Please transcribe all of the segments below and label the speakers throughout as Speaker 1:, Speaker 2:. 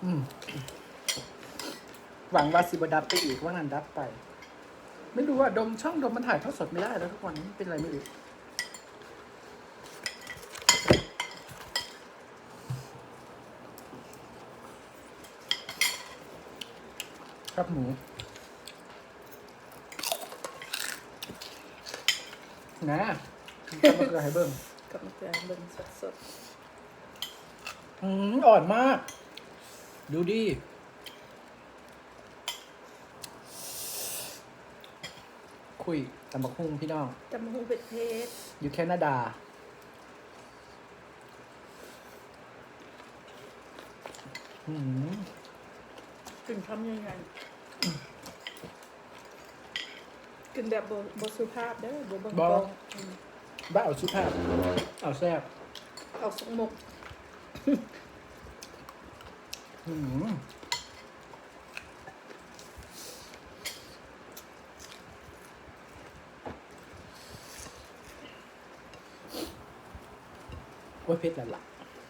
Speaker 1: อืมหวังว่าสิบดับไปอีกว่านั้นดับไป ไม่รู้ว่าดมช่องดมมันถ่ายทอดสดไม่ได้แล้วทุกวันนี้เป็นอะไรไม่รู้ครับหมูนะทำมะเขือให้เบิ่ง
Speaker 2: กับมะเขือเบิ่งสด
Speaker 1: อ่อนมาก ดูดิคุยตำบักหุ่งพี่น้อง
Speaker 2: ๆตำบักหุ่งเผ็ดเผ็ด
Speaker 1: อยู่แคนาดาอืม
Speaker 2: กลิ่นคำยังไงกลิ่นแบบบสุภาพเด้อบ่เบิ่งกอง
Speaker 1: บ้าเอาสุภาพเอาแซ่บ
Speaker 2: เอาสกมก
Speaker 1: อืมโอ้ยเผ็ดแล้วล่ะ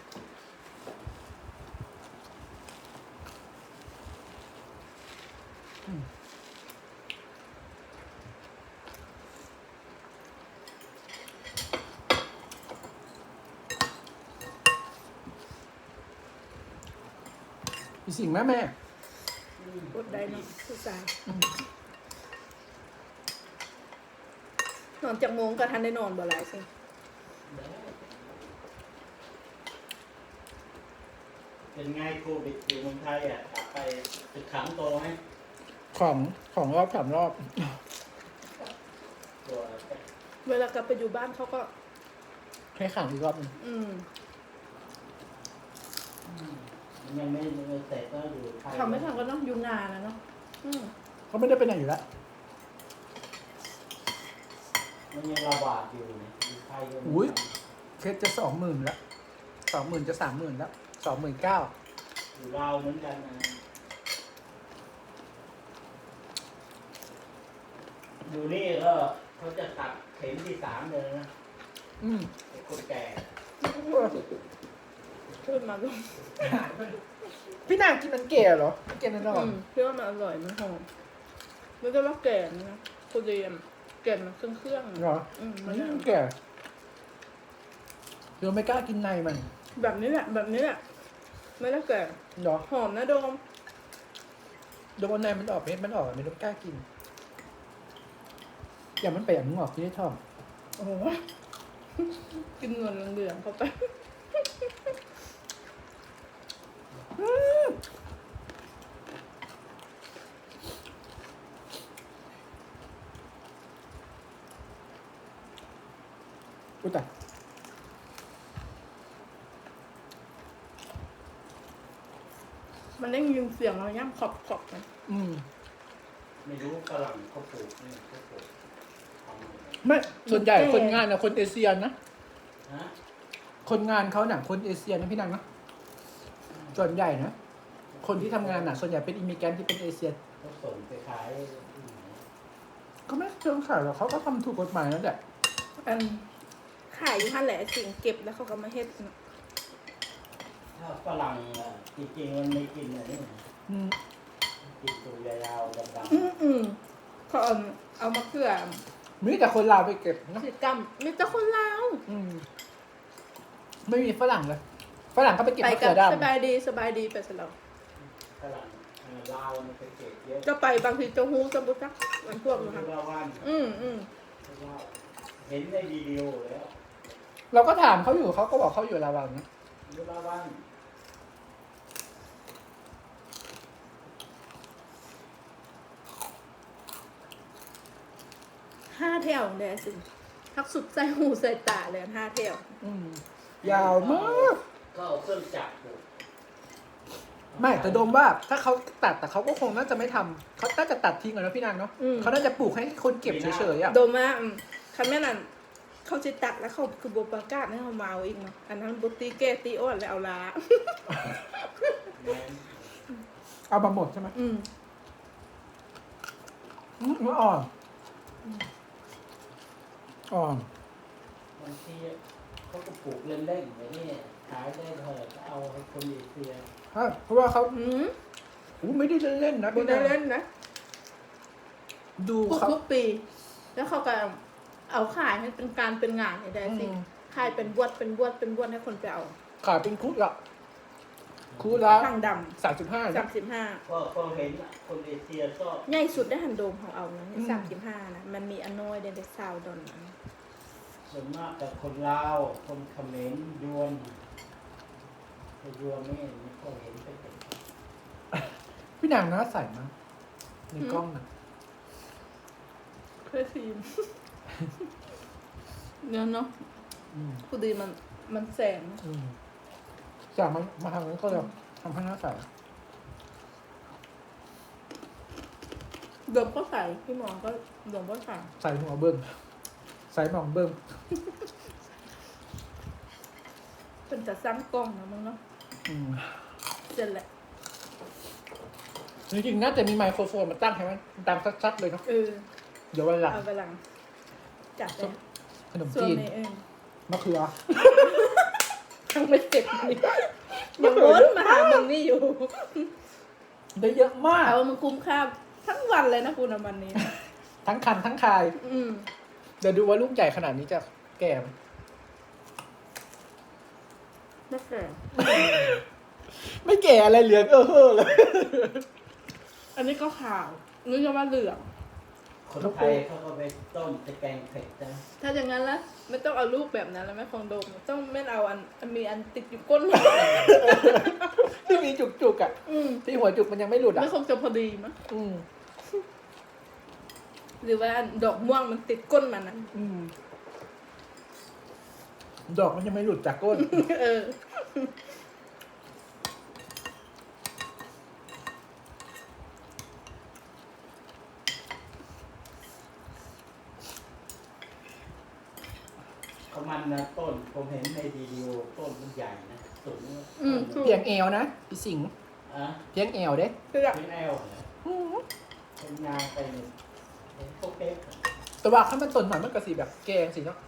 Speaker 1: มีสิ่งแม่แม่
Speaker 2: อดได้เนาะผู้ชายนอนจากโมงก็ทันได้นอนบ่หลายสิ
Speaker 3: เป็นไงโควิดอยู่เมืองไทยอ่ะกลับไปตึกขังโตไหม
Speaker 1: ของรอบสามรอบ
Speaker 3: ตัว
Speaker 2: เวลากลับไปอยู่บ้านเขาก็
Speaker 1: ให้ขังอีกรอบหนึง
Speaker 3: มันยังไม่เสร็จก็อยู่ไทย
Speaker 2: ทำไม่ทำก็ต้องอยู่นานนะเนาะ
Speaker 1: เขาไม่ได้ไปไหนอยู่แล้ว
Speaker 3: มันยังระบาดอยู่เนี่ยอยู่ไทยก็มี
Speaker 1: อุ้ย เคสจะ20,000แล้ว20,000จะ30,000แล้ว29,000
Speaker 3: อยู่ลาวเหมือนกันนะอยู่นี่ก็เขาจะตัดเข็มที่3เลยนะ
Speaker 1: อืม
Speaker 3: ไอ้คนแก่
Speaker 2: ขึ้นมาลง
Speaker 1: พี่นางกินมันเก๋เหรอไม่เก๋แน่นอน
Speaker 2: เพื่อว่ามันอร่อยมันหอมแล้วก็ว่าแก่นะคุณเรียมแก่มันเครื่องๆ
Speaker 1: เหรอ
Speaker 2: มัน
Speaker 1: มันเก๋เดี๋ยวไม่กล้ากินในมัน
Speaker 2: แบบนี้แหละแบบนี้แหละไม่ได้แก่
Speaker 1: เหรอ
Speaker 2: หอมนะโดม
Speaker 1: โดนในมันออกเม็ดมันออกไม่ต้องกล้ากิน อย่างมันไปอย่างมึงออกที่ได้ทอง
Speaker 2: โอ้โหกินเงินเหลืองๆเข้าไป
Speaker 1: อุ้ยแต่
Speaker 2: มันได้ยินเสียงเราย่ำขอบๆนะ
Speaker 3: ไม่รู้ฝรั่งเขาปลูกนี่เขาปลูกทำอะไร
Speaker 1: ไม่ส่วนใหญ่คนงานนะคนเอเชียนะ
Speaker 3: ฮะ
Speaker 1: คนงานเขาหนังคนเอเชียนะพี่นางนะส่วนใหญ่นะคนที่ทำงานน่ะส่วนใหญ่เป็นอิมิเกรนต์ที่เป็นเอเชีย
Speaker 3: เขาส่งไปขายที่ไหน
Speaker 1: ก็ไม่เชิงขายหรอกเขาก็ทำถูกกฎหมายนั่นแหละ
Speaker 2: อันขายอยู่ท่านแหละสิ่งเก็บแล้วเขาก็มาเฮ็ดนะ
Speaker 3: ถ้าฝรั่งอ่ะจริงๆมันไม่กินอันนี้
Speaker 1: อืม
Speaker 3: กินตัวยาวๆดำ
Speaker 2: เขาเอามาเกลือ
Speaker 1: มีแต่คนลาวไปเก็บนะ
Speaker 2: กิจกรรมมีแต่คนลาว
Speaker 1: ไม่มีฝรั่งเลยฝรั่งก็ไปเก็บ
Speaker 2: ไป
Speaker 1: มะ
Speaker 2: กั
Speaker 1: เขื
Speaker 2: บ
Speaker 1: อด
Speaker 2: สบายดีสบายดีไปสลับ
Speaker 3: ๆฝรั่งลาวมันไปเก็บเยอะ
Speaker 2: ก็ไปบางทีจะฮู้จะบุจักมันพวกนะ
Speaker 3: ยุ
Speaker 2: คะ
Speaker 3: ราวัน เห็นในวิดีโอแล้ว
Speaker 1: เราก็ถามเขาอยู่เขาก็บอกเขาอยู่ลาวนะ
Speaker 3: ยุราวัน
Speaker 2: 5 แถวเลยสิทักสุดใส่หูใส่ตาเลย5 แถว
Speaker 1: ยาวมาก
Speaker 3: ก็เอาเครื่องจักรปลูก
Speaker 1: ไม่แต่โดมว่าถ้าเขาตัดแต่เขาก็คงน่าจะไม่ทำเขาน่าจะตัดทิ้งอะนะพี่นางเนาะเขาน่าจะปลูกให้คนเก็บเฉยๆอ่ะ
Speaker 2: โดมาคันแม่นั่นเขาจะตัดแล้วเขาคือบบประกาศให้เขามาเอาอีกเนาะอันนั้นบุตีแก้ตีอ้อนแล้วเอาลา
Speaker 3: แม่น
Speaker 1: เอามาหมดใช่ไหม
Speaker 2: อืม
Speaker 1: มันอ่อนอ่อน
Speaker 3: บางทีเขาก็ปลูกเล่นๆอย่างนี้ขายได้เท่าไหร่ก็เอาให้คนเอเชีย
Speaker 1: ใช่เพราะว่าเขา
Speaker 2: อืม
Speaker 1: ไม่ได้เล่นๆนะ
Speaker 2: ดู
Speaker 1: พี่
Speaker 2: ได้
Speaker 1: นาง
Speaker 2: เล่นนะ
Speaker 1: ดูเขา
Speaker 2: ทุกปี แล้วเขาก็เอาขายให้เป็นการเป็นงานให้ได้สิขายเป็นบวชให้คนไปเอา
Speaker 1: ขายเป็นคุดละคุดละ
Speaker 2: ทางด
Speaker 1: 35
Speaker 2: ำ
Speaker 1: นะ
Speaker 2: 35
Speaker 3: ก็เห็นอะคนเอเชียก็
Speaker 2: ใหญ่สุดได้หันโดมของเอานะ
Speaker 1: อืม
Speaker 2: 35นะมันมีอนน้อยเดนเดซาวดอนนะ
Speaker 3: ส่วนมากแต่คนลาวคนเขมรยวนแต่ยวนไม่ค่อยเห็นไปเป็น
Speaker 1: พี่นางหน้าใสมากในกล้องนะ
Speaker 2: เคยซีมเนี่ยเนาะ
Speaker 1: อืม
Speaker 2: ผู้ดีมันแสง
Speaker 1: อืมจากมันมาทางนั้นก็จะทำให้หน้าใส
Speaker 2: ดมก็ใส่พี่หมอก็ดมก็ใส่
Speaker 1: ใส่หัวเบิ้งใส่หมองเบิ้ง
Speaker 2: เป็นจะซ้ำกล้องนะมึงเนาะ
Speaker 1: อืม
Speaker 2: เสร็จแหละ
Speaker 1: จริงๆน่าจะมีไมโครโฟนมาตั้งให้มันดังชัดๆเลยเนาะ เดี๋ยววันหลัง
Speaker 2: เอาไปหลังจัดเลย
Speaker 1: ขนม
Speaker 2: ส่วน
Speaker 1: จีน
Speaker 2: ใน
Speaker 1: มะเขือ
Speaker 2: ทั้งไม่เสร็จนี่ยังวนมาหามึงนี่อยู่
Speaker 1: ได้เยอะมาก
Speaker 2: เอามึงคุ้มค่าทั้งวันเลยนะคุณวันนี้
Speaker 1: ทั้งคันทั้งคาย
Speaker 2: อืม
Speaker 1: เดี๋ยวดูว่าลูกใหญ่ขนาดนี้จะแก่ไหม
Speaker 2: ไม่แก่
Speaker 1: ไม่แก่อะไรเหลืองเฮ้อเลย
Speaker 2: อันนี้ก็ขาวนึกว่าเหลือง
Speaker 3: คนไทยเขาก็ไปต้มจะแกงเผ็ดนะ
Speaker 2: ถ้าอย่างนั้นละไม่ต้องเอาลูกแบบนั้นแล้วไม่คงโดมต้องไม่เอาอันมีอันติดอยู่ก้น
Speaker 1: ที่มีจุกๆอ่ะ ที่หัวจุกมันยังไม่หลุดอ่ะ
Speaker 2: ไม่คงจะพอดีมั้ง
Speaker 1: อืม
Speaker 2: หรือว่าอันดอกม่วงมันติดก้นมันนะ
Speaker 1: อืมดอกมันยังไม่หลุดจากก้น
Speaker 2: เออ
Speaker 3: เขามันนะต้นผมเห็นในวิดีโอต้นมันใหญ่นะสูง
Speaker 2: ถูก
Speaker 1: เพียงเอวนะพี่สิงห์
Speaker 3: อ่ะ
Speaker 1: เพียงเอวเด้
Speaker 2: คือ
Speaker 3: เป็นแอลนะเป็นยางไปเนี่ยเห็นพวกเป๊ก
Speaker 1: แต่ว่าถ้ามันต้นหน่อยมันก็สีแบบแกงสิเนาะ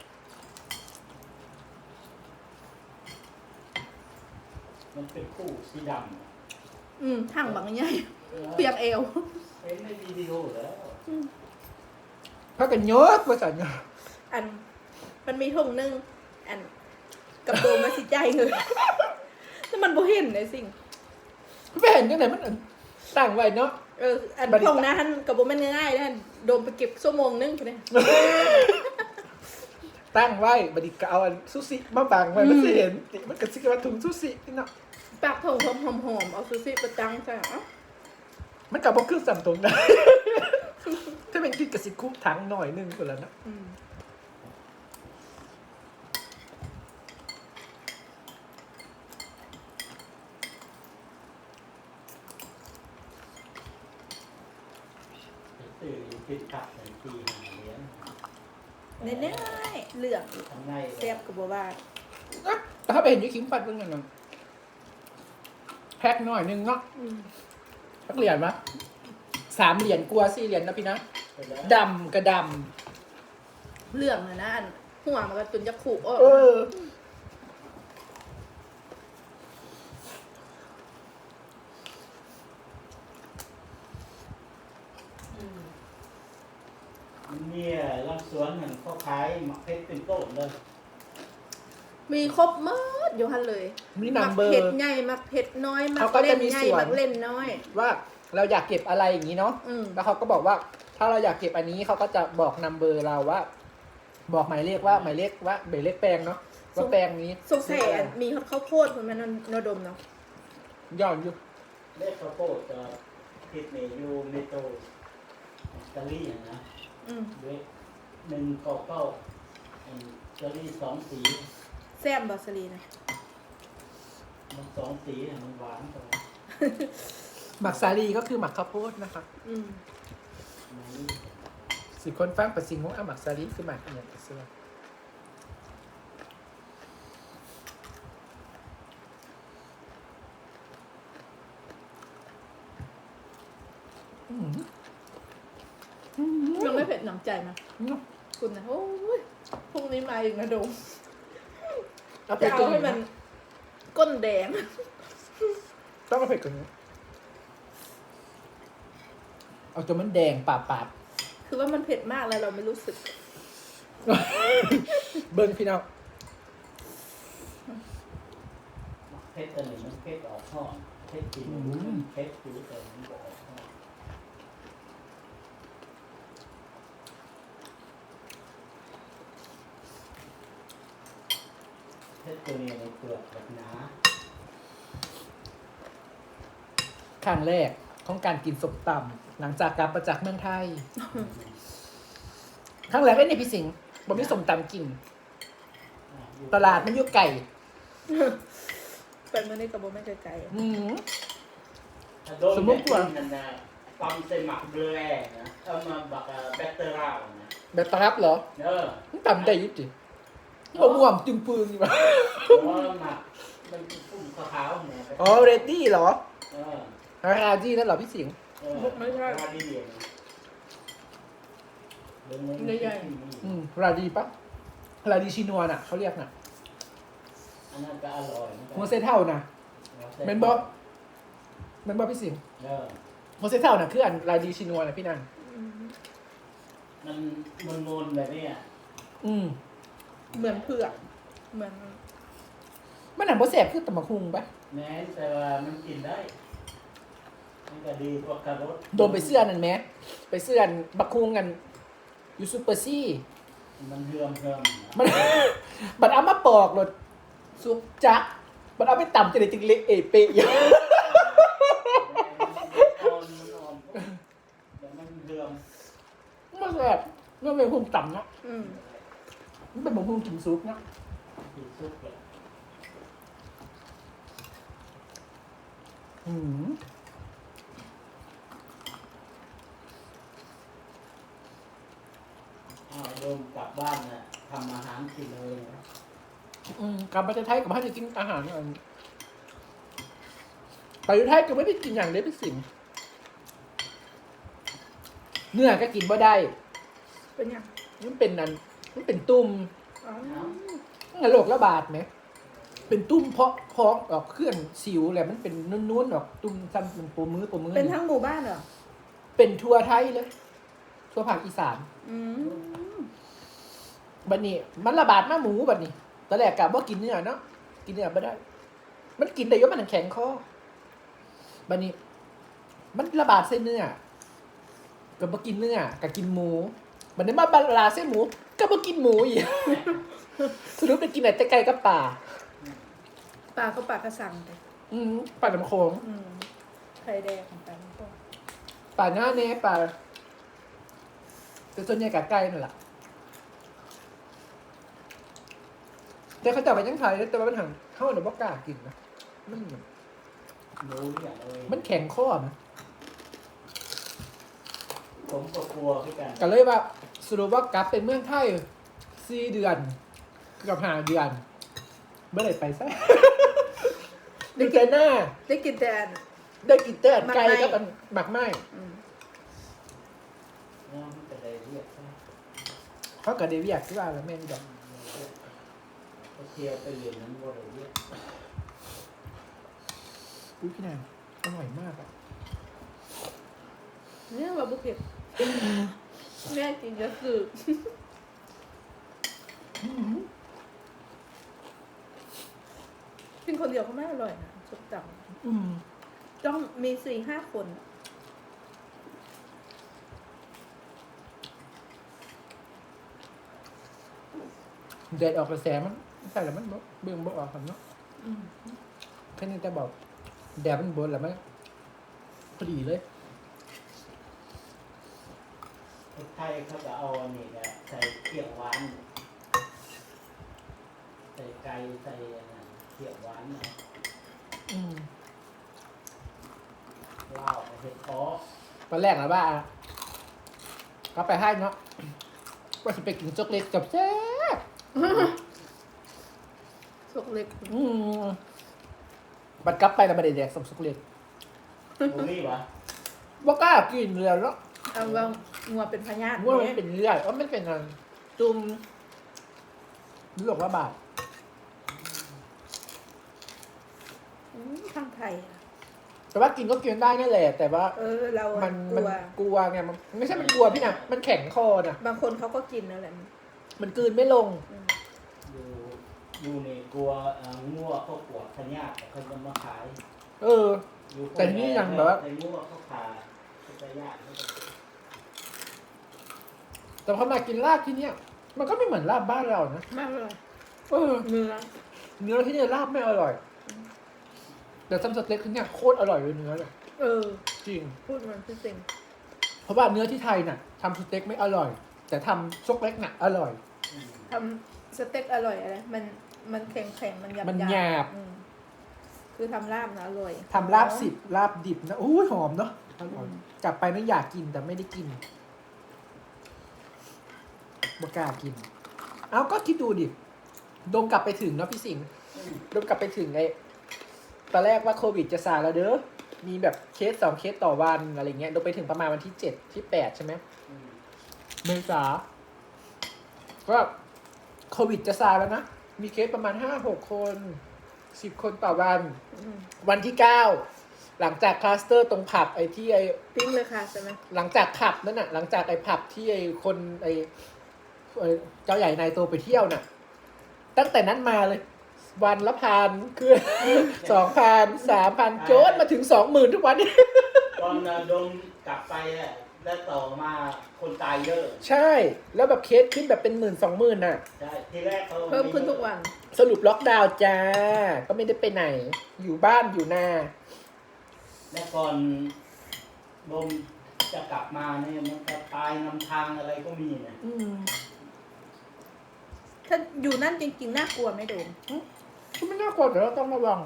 Speaker 3: มันเป็นคู่สีดำอะ
Speaker 2: ถังบางใหญ่เปียกเอว
Speaker 3: เห็นในวิดีโอแล้ว
Speaker 1: ถ้ากันเยอะกว่าสันเนาะ
Speaker 2: อันมันมีถุงนึงอันกับโดมมาสิใจเงินแต่มันบ่เห็นเลยสิ่ง
Speaker 1: ไม่เห็นยังไงมันต่างไว้เนาะ
Speaker 2: อันทงนะฮันกับโบแม่นง่ายๆนะโดมไปเก็บชั่วโมงนึงไปเลย
Speaker 1: ตั้งไว้บัดนี้ก็เอาอันซูซิมาบังไว้มันจะเห็นมันก็สิกว่าถุงซูซินี่เนาะ
Speaker 2: ปากทงหอมๆเอาซูซี่ประจังใช่ไหม
Speaker 1: มันกับบ่คือสัมตรงได้ ถ้าเป็นกินกับสิคุกถังหน่อยนึงคนละเนาะ
Speaker 3: ตื่นกินผักในทีหาเลี้ยง
Speaker 2: แน่ๆเหลือง
Speaker 3: ทำไง
Speaker 2: แซ่บกับบัวบ้า
Speaker 1: แต่ถ้าไปเห็นยูคิมปัดเพิ่งกันเนาะแพ็คหน่อยนึงเนาะสักเหรียญมะ3 เหรียญกลัว4 เหรียญนะพี่นะดำกระด
Speaker 2: เหลืองนะอันหัวมันก็จนจะขู่
Speaker 1: ำเออ
Speaker 3: เนี่ยลำสวนเหมือนเขาขายหมักเพชรเป็นต้นเลย
Speaker 2: มีครบหมดอยู่ฮันเลย
Speaker 1: มีนัมเบอ
Speaker 2: เผ็ด
Speaker 1: ร์
Speaker 2: ใหญ่มักเผ็ดน้อยมั
Speaker 1: เขา
Speaker 2: ก
Speaker 1: ก็
Speaker 2: เล่
Speaker 1: จะ
Speaker 2: น
Speaker 1: มี
Speaker 2: ใหญ่
Speaker 1: ส่วน
Speaker 2: มักเล่นน้อย
Speaker 1: ว่าเราอยากเก็บอะไรอย่างนี้เนาะ แล้วเขาก็บอกว่า ถ้าเราอยากเก็บอันนี้เขาก็จะบอกนัมเบอร์เราว่า บอกหมายเลขว่าหมายเลขแปลงเนาะว่าแปลงนี้
Speaker 2: สงสัยอันมีข้าวโพดคนมันนดมเนาะ
Speaker 1: ย่อนอยู่
Speaker 3: เลขข้าวโพดจะพิษเมยูเมโตอิตาลีนะด้วย199อิตาลี2 สี
Speaker 2: แซ่บบอสลีนะ
Speaker 3: มัน2 สีเนี่ยมันหวานกว่า
Speaker 1: หมักสาลีก็คือหมักข้าวโพดนะคะ
Speaker 3: ไหน
Speaker 1: สิคนฟังประสิงของหมักสาลีคือหมักอย่างเสื้อ
Speaker 2: ยังไม่เผ็ดหนำใจมาคุณนะโอ้ยพรุ่งนี้มาอีกนะโดม
Speaker 1: เอาไป
Speaker 2: จะ
Speaker 1: กิ
Speaker 2: เอา
Speaker 1: น
Speaker 2: ให้มันก้นแดง
Speaker 1: มาเผ็ดกว่านี้เอาจนมันแดงปาด
Speaker 2: คือว่ามันเผ็ดมากแล้วเราไม่รู้สึก
Speaker 1: เบิ้งพี่น้อง
Speaker 3: เพชรตัวนี้มันเพชรออกห้องเพชรกินมันเพชรคือแต่มันออกห้องเพชรตัวนี้ในเปลือกแบบหนา
Speaker 1: ครั้งแรกของการกินส้มตำหลังจากกลับมาจากเมืองไทย ครั้งแรกได้ในพี่สิงห์บ่มีส้มตำกิน ตลาดมันอยู่ไก่
Speaker 2: ไปเมื่อนี้กับโบไม่ไกลๆอะ
Speaker 1: อืม
Speaker 3: สมมติว่านั่นนะปั๊มใส่หมักเบลแร่นะเอามาบักแบตเตอร่านะ
Speaker 1: แบบตรับเหรอ
Speaker 3: เออ
Speaker 1: มันตำได้อยุติบ่ม่วงจึงปืนอยู่ปะ
Speaker 3: เพราะว่าหมักมันฟุ่มขาวๆเนี่ย
Speaker 1: อ๋อเรดดี้เหรอ
Speaker 3: เออ
Speaker 1: ราจีนั่นเหรอพี่สิงห์
Speaker 3: เออราดีเดียวนะ
Speaker 1: ราดีปะราดีชินัวน่ะเขาเรียกน่ะ
Speaker 3: อันนั้นก็อร่อย
Speaker 1: หัวเซเท่าน่ะแมนบอแมนบอพี่สิงห์
Speaker 3: เออ
Speaker 1: หัวเซเท่าน่ะคืออันราดีชินัวน่ะพี่นัน
Speaker 3: มันมนๆแบบนี้
Speaker 1: อืม
Speaker 2: เหมือนเผือกเหมือน
Speaker 1: มันหนังโบแสบคือตำบักฮุงปะ
Speaker 3: แม้แต่ว่ามันกินได้มันก็ดีกว่าคารส
Speaker 1: โดนไปเสื้อนั่นไหมไปเสื้อบักฮุงกันอยู่ซูเปอร์ซี่
Speaker 3: มันเฮือม
Speaker 1: มัน บัดเอามาปอกรถซุปจักบัดเอาไปตำจะได้จึงเละเอเปะอยู่
Speaker 3: มันแต่มันเฮือม
Speaker 1: มันแบบมันเป็นฮุงต่ำเนาะ
Speaker 2: อืม
Speaker 1: มันเป็นบักฮุงกินซุปเนาะ
Speaker 3: กินซุปเลย
Speaker 1: อืม
Speaker 3: โยมกลับบ้านน่ะทำอาหารกินเลยนะ
Speaker 1: กลับประเทศไทยกับให้จะกินอาหารอันไปอยู่ไทยก็ไม่ได้กินอย่างเดียวเป็นสิ่งเนื้อก็กินบ่ได้
Speaker 2: เป็นยัง
Speaker 1: มันเป็นนั่นมันเป็นตุ่ม
Speaker 2: อ๋อ
Speaker 1: งั้นโรคระบาดไหมเป็นตุ่มเพาะท้องออกเคลื่อนสิวแหละมันเป็นนุ่นๆออกตุ่มซ้ำเป็นปูมือ
Speaker 2: เป็นทั้งหมู่บ้านเหรอ
Speaker 1: เป็นทั่วไทยเลยทั่วภาคอีสาน
Speaker 2: อืม
Speaker 1: บัดนี้ มันระบาดมาหมูบัดนี้ตอนแรกกะว่ากินเนื้อเนาะกินเนื้อไม่ได้ มันกินได้ยศมันแข็งคอบัดนี้ มันระบาดเส้นเนื้อก็บ่กินเนื้อก็กินหมูบัดนี้มาบาลาเส้นหมูก็บ่กินหมูอีก สรุปไปกินแต่ไก่กับป่า
Speaker 2: ปลาก็ปลากระสังไป
Speaker 1: ป่าน้ำโขง
Speaker 2: ไข่แดงของปลาพวก
Speaker 1: ป่าหน้าเน่ป่าแต่ส่วนใหญ่กับไก่นั่นแหละแต่เขาจับไปยังไทยแต่ว่ามันหังเข้าหรือว่ากล้ากินนะมัน
Speaker 3: รู้อย่างเลย
Speaker 1: มันแข็งข้อนะ
Speaker 3: ผมก็กลัวพี่กัน
Speaker 1: ก็เลยว่าสรุปว่ากลับเป็นเมืองไทย4 เดือนกับ5 เดือนเมื่อไหร่ไปซะ ได้กินหน้า
Speaker 2: ได้กินแต่อัน
Speaker 1: ได้กินแต่ไก่
Speaker 2: หมักไหม้
Speaker 1: กับอันหมักไหม้
Speaker 2: อืม
Speaker 3: น้องจะได้เรียกใช่ไหม
Speaker 1: เขากับเดวิดที่ว่าแล้วแม่นดอก
Speaker 3: เขาเที่ยวไปเรียนนั้นว่าได้เรียก
Speaker 1: อุ้ยพี่นางอร่อยมากอ่ะ
Speaker 2: เนี่ยว่าบุกเก็บแม่กินเยอะคือกินคนเดียวก็ไม่อร่อยนะสุดจัง
Speaker 1: อืม
Speaker 2: ต้องมี 4-5 คนอะ
Speaker 1: แดดออกกระแสมันใส่แล้วมันบ่เบิ่งบ่ออกครับเนาะ
Speaker 2: อืม
Speaker 1: แค่นี้แต่บอกแดดมันบนแล้วมันพอดีเลย
Speaker 3: คนไทยเขาจะเอาอันนี้แหละใส่เขียวหวานใส่ไก่ใส่อะไรเขียวหวานนะ
Speaker 1: อืม
Speaker 3: เหล้าเห็ดเพาะ
Speaker 1: ตอนแรกนะว่าก็ไปให้เนาะว่าจะไปกินช็อกโกแลตกับแซ่บ
Speaker 2: สกเล็ก
Speaker 1: บัดกลับไปแล้วไม่ได้แดกสัมช็อกโกแลต
Speaker 3: โอ้ยปะ
Speaker 1: บ่กล้ากินเลยแล้ว
Speaker 2: เอาว่างัวเป็นพญาติ
Speaker 1: ว่ามัน
Speaker 2: เนี่ย
Speaker 1: เป็นเลือดว่ามันเป็นอะไรตุ่มโรคระบาด
Speaker 2: ทางไทยอะ
Speaker 1: แต่ว่ากินก็กินได้นั่นแหละ แต่ว่า
Speaker 2: เรา
Speaker 1: มั
Speaker 2: อะ
Speaker 1: น
Speaker 2: กลัว
Speaker 1: กลัวไงมันไม่ใช่มันกลัวพี่นะมันแข็งคอนะ
Speaker 2: บางคนเขาก็กินนั่นแหละ
Speaker 1: มันกลืนไม่ลง
Speaker 3: อยู่ในกลัวงัวเขาปวดพยาธิเขาจะมาขาย
Speaker 1: เออ แต่ที่นี่ยังแบบว่า
Speaker 3: ไอ้งัวเขาขาพยาธิ
Speaker 1: แต่พอมากินลาบที่เนี้ยมันก็ไม่เหมือนลาบบ้านเรานะ
Speaker 2: มากเลย
Speaker 1: เออ
Speaker 2: เนื้อ
Speaker 1: เนื้อที่เนี่ยลาบไม่อร่อย แต่ซัมสเต็กที่เนี่ยโคตรอร่อยเลยเนื้อเลย จริง
Speaker 2: พูดมันคือสิ่ง
Speaker 1: เพราะว่าเนื้อที่ไทยน่ะทำสเต็กไม่อร่อย แต่ทำซกเล็กน่ะอร่อย
Speaker 2: ทำสเต็กอร่อยอะไรมันแข็งมันหยาบ
Speaker 1: มันหยาบ
Speaker 2: คือทำลาบนะอร่อย
Speaker 1: ทำลาบสิบลาบดิบนะโอ้ยหอมเนาะอร่อยกลับไปไม่อยากกินแต่ไม่ได้กินบ่กล้ากิน เอาก็คิดดูดิโดมกลับไปถึงเนาะพี่สิงห์โดมกลับไปถึงไอ้ตอนแรกว่าโควิดจะซาแล้วเด้อมีแบบเคส2 เคสต่อวันอะไรเงี้ยโดมไปถึงประมาณวันที่7 ที่ 8ใช่ไหมเมษาก็โควิดจะซาแล้วนะมีเคสประมาณ5-6 คน10 คนต่อวัน วันที่ 9 หลังจากคลัสเตอร์ตรงผับไอ้ที่ไอ้
Speaker 2: ปิ้งเลยค่ะใช่ไหม
Speaker 1: หลังจากผับนั่นน่ะหลังจากไอ้ผับที่ไอ้คนไอ้เจ้าใหญ่นายโตไปเที่ยวน่ะ ตั้งแต่นั้นมาเลย วันละ1,000คือ 2,000 3,000โจนมาถึง 20,000 ทุกวันนี้
Speaker 3: ตอนดมกลับไปอะแล้วต่อมาคนตายเยอะ
Speaker 1: ใช่ แล้วแบบเคสขึ้นแบบเป็น10,000 20,000น่ะ
Speaker 3: ใช่ทีแรกเขา
Speaker 2: เพิ่มขึ้นทุกวัน
Speaker 1: สรุปล็อกดาวน์จ้า ก็ไม่ได้ไปไหน อยู่บ้านอยู่นา
Speaker 3: แล้วก่อนดมจะกลับมาเนี่ยมันจะตายนำทางอะไรก็มีนะ
Speaker 2: ถ้าอยู่นั่นจริงๆน่ากลัวไหมโดม
Speaker 1: ก็ไม่น่ากลัวแต่เราต้องระวัง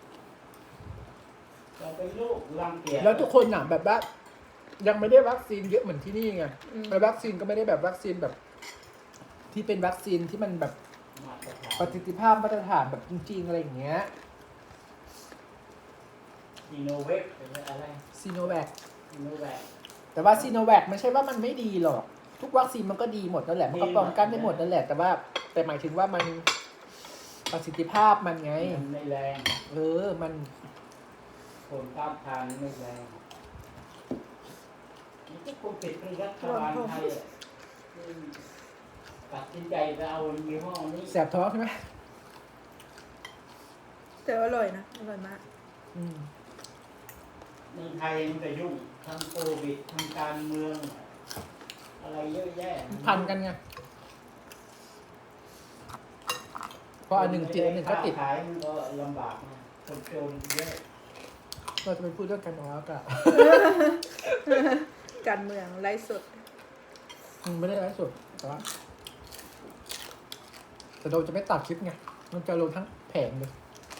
Speaker 3: เราเป็นลูกรังเกียจ
Speaker 1: แล้วทุกคนน่ะแบบว่ายังไม่ได้วัคซีนเยอะเหมือนที่นี่ไงแล้ววัคซีนก็ไม่ได้แบบวัคซีนแบบ ที่เป็นวัคซีนที่มันแบบ
Speaker 3: มาตรฐาน
Speaker 1: ประสิทธิภาพมาตรฐานแบบจริง ๆ อะไรอย่างเงี้ย
Speaker 3: ซีโนเวคหรืออะไร
Speaker 1: ซีโนแวค
Speaker 3: ซีโนแวค
Speaker 1: แต่ว่าซีโนแวคไม่ใช่ว่ามันไม่ดีหรอก ทุกวัคซีนมันก็ดีหมดนั่นแหละมันก็ป้องกันได้หมดนั่นแหละแต่ว่าแต่หมายถึงว่ามันประสิทธิภาพมันไง
Speaker 3: มันไม่แรง
Speaker 1: มัน
Speaker 3: ผลต้านทานไม่แรงนี่ก็คงติดเป็นรัฐบาลไทยอะตัดสินใจจะเอายี่ห้อนี้
Speaker 1: แสบท้องใช่ไหม
Speaker 2: แต่อร่อยนะอร่อยมาก
Speaker 3: เมืองไทยมันก็ยุ่งทั้งโควิดทั้งการเมือง อะไรเยอะแยะ
Speaker 1: พันกันไงเพราะอันหนึ่งติดอันหนึ่งก็ติด
Speaker 3: ขายมันก็ลำบากนะคนจนเยอะ
Speaker 1: เราจะไปพูดเรื่องการเมืองแล้วกัน
Speaker 2: การเมืองไร้สด
Speaker 1: ไม่ได้ไลฟ์สดแต่ว่าแต่เราจะไม่ตัดคลิปไงมันจะลงทั้งแผงเลย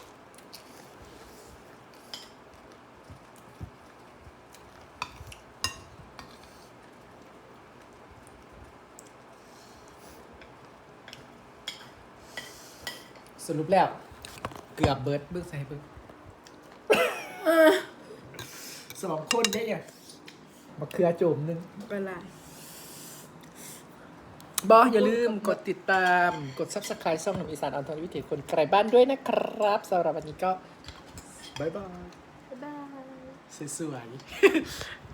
Speaker 1: สรุปแล้ว เกือบเบิร์ดเบิ้งใส่เบิ้ง2 คนได้เนี่ยมะเขือโจมนึง
Speaker 2: เป็นไร
Speaker 1: อย่าลืมกดติดตามกด Subscribe ช่องหนุ่มอีสานอันทรวิถีคนไกลบ้านด้วยนะครับสำหรับวันนี้ก็บ๊ายบาย
Speaker 2: บ๊ายบาย
Speaker 1: สวยๆ